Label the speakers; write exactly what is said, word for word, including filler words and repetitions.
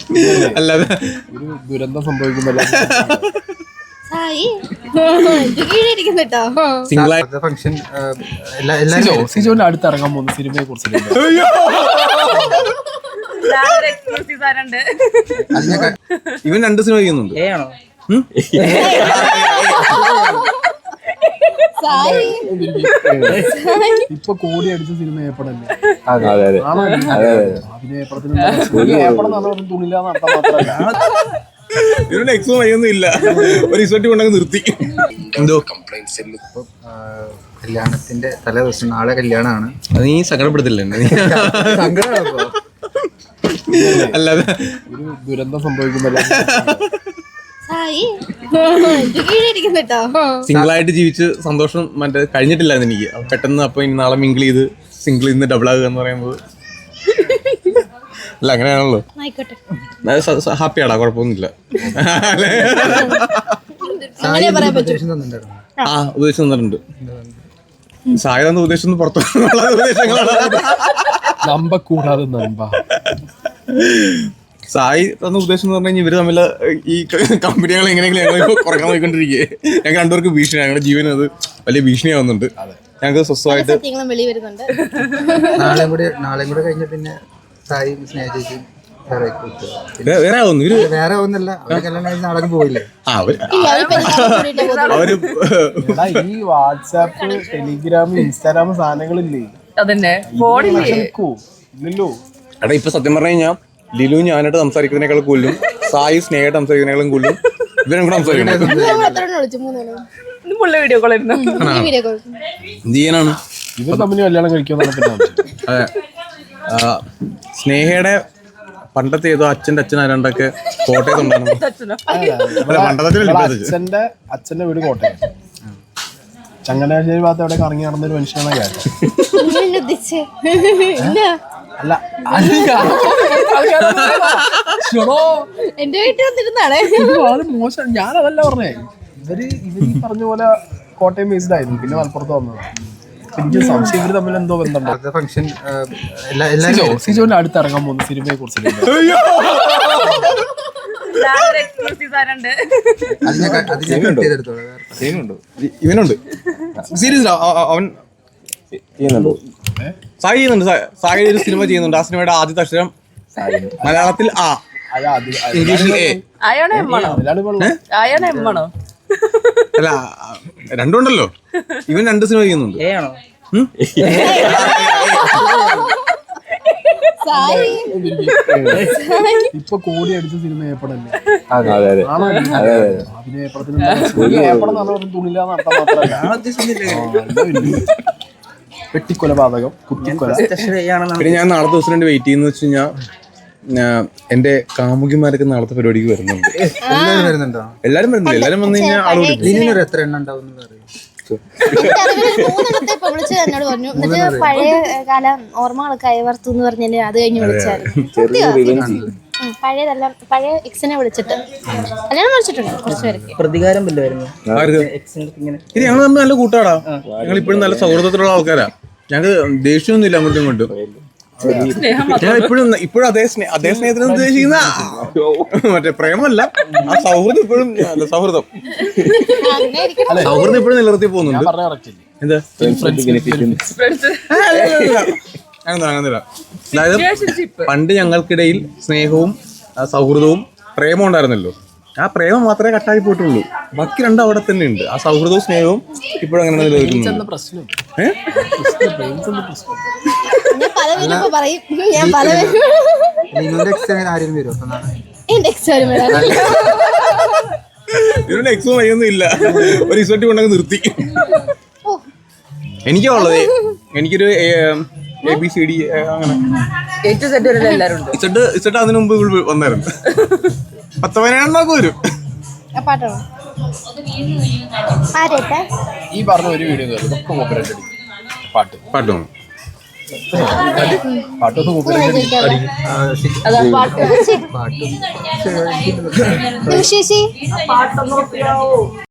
Speaker 1: അല്ലാതെ
Speaker 2: ഒരു ദുരന്തം സംഭവിക്കുമ്പോൾ
Speaker 3: ഫംഗ്ഷൻ
Speaker 2: സിജോന്റെ അടുത്ത് ഇറങ്ങാൻ പോകുന്ന സിനിമയെ കുറിച്ച്
Speaker 1: ഇവൻ രണ്ട് സിനിമ ചെയ്യുന്നുണ്ട്.
Speaker 2: ഇപ്പൊ കോടി അടിച്ച സിനിമ ഏപ്പടല്ലേ? തുണില്ലാന്ന് അർത്ഥം മാത്രമല്ല.
Speaker 1: ഇവരുടെ എക്സോ വൈയൊന്നും ഇല്ല, ഒരു ഇസോട്ടി കൊണ്ടങ്ങ് നിർത്തി. എന്തോ
Speaker 3: കംപ്ലൈന്റ്സ് ഇപ്പൊ കല്യാണത്തിന്റെ തലേ ദിവസം നാളെ കല്യാണമാണ്.
Speaker 1: നീ സങ്കടപ്പെടുത്തില്ല
Speaker 3: സങ്കടമാണോ?
Speaker 1: അല്ലാതെ
Speaker 2: ഒരു ദുരന്തം സംഭവിക്കുമ്പോൾ
Speaker 1: സിംഗിൾ ആയിട്ട് ജീവിച്ച് സന്തോഷം മറ്റേ കഴിഞ്ഞിട്ടില്ലായിരുന്നു എനിക്ക്. പെട്ടെന്ന് അപ്പൊ ഇനി നാളെ മിങ്കിൾ ചെയ്ത് സിംഗിൾ ഇന്ന് ഡബിൾ ആകുക എന്ന് പറയുമ്പോൾ അല്ല അങ്ങനെയാണല്ലോ. ഹാപ്പിയാടാ, കുഴപ്പമൊന്നുമില്ല. ആ ഉപദേശം തന്നിട്ടുണ്ട്. സായ തന്ന ഉപദേശം പുറത്തു ഉപദേശങ്ങളാണ്.
Speaker 2: നമ്പ കൂടാതെ നമ്പ
Speaker 1: സായി തന്ന ഉദ്ദേശം എന്ന് പറഞ്ഞു കഴിഞ്ഞാൽ ഇവര് തമ്മിൽ ഈ കമ്പനികൾ എങ്ങനെയെങ്കിലും ഞങ്ങൾ ഇപ്പോൾ കുറയ്ക്കാൻ പോയിക്കൊണ്ടിരിക്കുകയെ. ഞങ്ങൾ രണ്ടുപേർക്ക് ഭീഷണി, ഞങ്ങളുടെ ജീവനും അത് വലിയ ഭീഷണിയാവുന്നുണ്ട്. ഞങ്ങൾക്ക് സ്വസ്ഥമായിട്ട്
Speaker 3: നാളെയും കൂടെ നാളെയും കൂടെ കഴിഞ്ഞ പിന്നെ സായി സ്നേഹിച്ചു
Speaker 1: വേറെ ആവുന്നു. ഇവര്
Speaker 3: വേറെ ഒന്നല്ല, അവര് കല്യാണം നാളെ പോയില്ലേ?
Speaker 1: ആ അവര്
Speaker 2: ഈ വാട്സാപ്പ്, ടെലിഗ്രാം, ഇൻസ്റ്റാഗ്രാം സാധനങ്ങളില്ലേ? ഇല്ലല്ലോ.
Speaker 1: എടാ ഇപ്പൊ സത്യം പറഞ്ഞു കഴിഞ്ഞാൽ ലിലു ഞാനായിട്ട് സംസാരിക്കുന്നതിനേക്കാൾ കൂടുതലും സായി സ്നേഹമായിട്ട് സംസാരിക്കുന്നതിനേക്കാളും കൂടുതലും ഇവരും കൂടെ സംസാരിക്കണം. ജീവനാണ്
Speaker 2: ഇവർ തമ്മിൽ കല്യാണം കഴിക്കുമെന്നാണ്.
Speaker 1: അതെ, സ്നേഹയുടെ പണ്ടത്തെ ഏതോ അച്ഛൻ്റെ അച്ഛൻ ആരാണ്ടൊക്കെ കോട്ടയത്തുണ്ടായിരുന്നു.
Speaker 2: അച്ഛന്റെ അച്ഛന്റെ വീട് കോട്ടയം, ചങ്ങനാശ്ശേരി ഭാഗത്ത് എവിടെ കറങ്ങി നടന്നൊരു മനുഷ്യനാണ് ഞാൻ. അല്ല
Speaker 4: എന്റെ വീട്ടിൽ വന്നിരുന്നാണേ.
Speaker 2: അത് മോശം, ഞാനതല്ല പറഞ്ഞേ. ഇവര് ഇവര് ഈ പറഞ്ഞ പോലെ കോട്ടയം ബേസ്ഡ് ആയിരുന്നു, പിന്നെ മലപ്പുറത്ത് വന്നത്. എനിക്ക് സംശയം ഇവര് തമ്മിൽ എന്തോ ബന്ധമുണ്ടോ.
Speaker 3: ഫംഗ്ഷൻ
Speaker 2: സിജോന്റെ അടുത്ത് ഇറങ്ങാൻ പോകുന്ന സിനിമയെ കുറിച്ച്
Speaker 1: ഇവനുണ്ട് സീരിയസ് അവൻ സായി ചെയ്യുന്നുണ്ട്. സായി ഒരു സിനിമ ചെയ്യുന്നുണ്ട്. ആ സിനിമയുടെ ആദ്യത്തെ അക്ഷരം മലയാളത്തിൽ ആ, ഇംഗ്ലീഷിൽ എ. അല്ല രണ്ടുണ്ടല്ലോ. ഇവൻ രണ്ട് സിനിമ ചെയ്യുന്നുണ്ട്.
Speaker 2: ഇപ്പൊ കോടി അടിച്ച സിനിമ ഏപ്പടല്ലേ? തുണില്ലാന്ന് അർത്ഥം മാത്രമല്ല. വെട്ടിക്കൊലപാതകം, കുത്തിക്കൊല.
Speaker 1: പിന്നെ ഞാൻ നാളത്തെ ദിവസം വേണ്ടി വെയിറ്റ് ചെയ്യുന്ന വെച്ച് കഴിഞ്ഞാൽ എന്റെ കാമുകിമാരൊക്കെ നാളത്തെ പരിപാടിക്ക് വരുന്നുണ്ട്.
Speaker 3: എല്ലാവരും വരുന്നുണ്ടോ?
Speaker 1: എല്ലാരും വരുന്നില്ല. എല്ലാരും വന്നു കഴിഞ്ഞാൽ
Speaker 3: ആളോട് എത്ര എണ്ണം ഉണ്ടാവും?
Speaker 4: മൂന്നെണ്ണത്തെ ഇപ്പൊ വിളിച്ചു എന്നോട് പറഞ്ഞു. എന്നിട്ട് പഴയ കാല ഓർമ്മകൾ കൈവർത്തു എന്ന് പറഞ്ഞാല് അത് കഴിഞ്ഞ് വിളിച്ചായിരുന്നു. പഴയതെല്ലാം പഴയ എക്സിനെ വിളിച്ചിട്ട് കല്യാണം വിളിച്ചിട്ടുണ്ട് കുറച്ച് പേർക്ക്.
Speaker 5: പ്രതികാരം വല്ലതായിരുന്നു.
Speaker 1: ഇത് ഞങ്ങൾ തമ്മിൽ നല്ല കൂട്ടാടാ. ഞങ്ങൾ ഇപ്പോഴും നല്ല സൗഹൃദത്തിലുള്ള ആൾക്കാരാ. ഞങ്ങൾക്ക് ദേഷ്യമൊന്നും ഇല്ല അങ്ങോട്ടും ഇങ്ങോട്ടും. ഞാൻ ഇപ്പോഴും ഇപ്പോഴും അതേ സ്നേഹ അതേ സ്നേഹത്തിന് ഉദ്ദേശിക്കുന്ന മറ്റേ പ്രേമല്ല, ആ സൗഹൃദം ഇപ്പോഴും സൗഹൃദം സൗഹൃദം ഇപ്പോഴും നിലനിർത്തി പോകുന്നുണ്ട്. എന്താ അങ്ങനെയല്ല. അതായത് പണ്ട് ഞങ്ങൾക്കിടയിൽ സ്നേഹവും സൗഹൃദവും പ്രേമവും ഉണ്ടായിരുന്നല്ലോ. ആ പ്രേമം മാത്രമേ കട്ടായി പോയിട്ടുള്ളൂ. ബാക്കി രണ്ടും അവിടെ തന്നെ ഉണ്ട്. ആ സൗഹൃദവും സ്നേഹവും ഇപ്പോഴും അങ്ങനെ നിലനിൽക്കുന്നു. ഇവരുടെ എക്സോ വൈയൊന്നും ഇല്ല, ഒരു ഇസോട്ടി കൊണ്ടങ്ങ് നിർത്തി. എനിക്കാ ഉള്ളത്. എനിക്കൊരു എ ബി സി ഡി അങ്ങനെ ഇസഡ് ഇസഡ് അതിനു മുമ്പ് ഇവിടെ വന്നായിരുന്നു. പത്ത് പതിനേഴെണ്ണമൊക്കെ വരും.
Speaker 2: ഈ പറഞ്ഞ ഒരു വീഡിയോ പാട്ട് പാട്ട് പാട്ടൊക്കെ
Speaker 4: പാട്ട്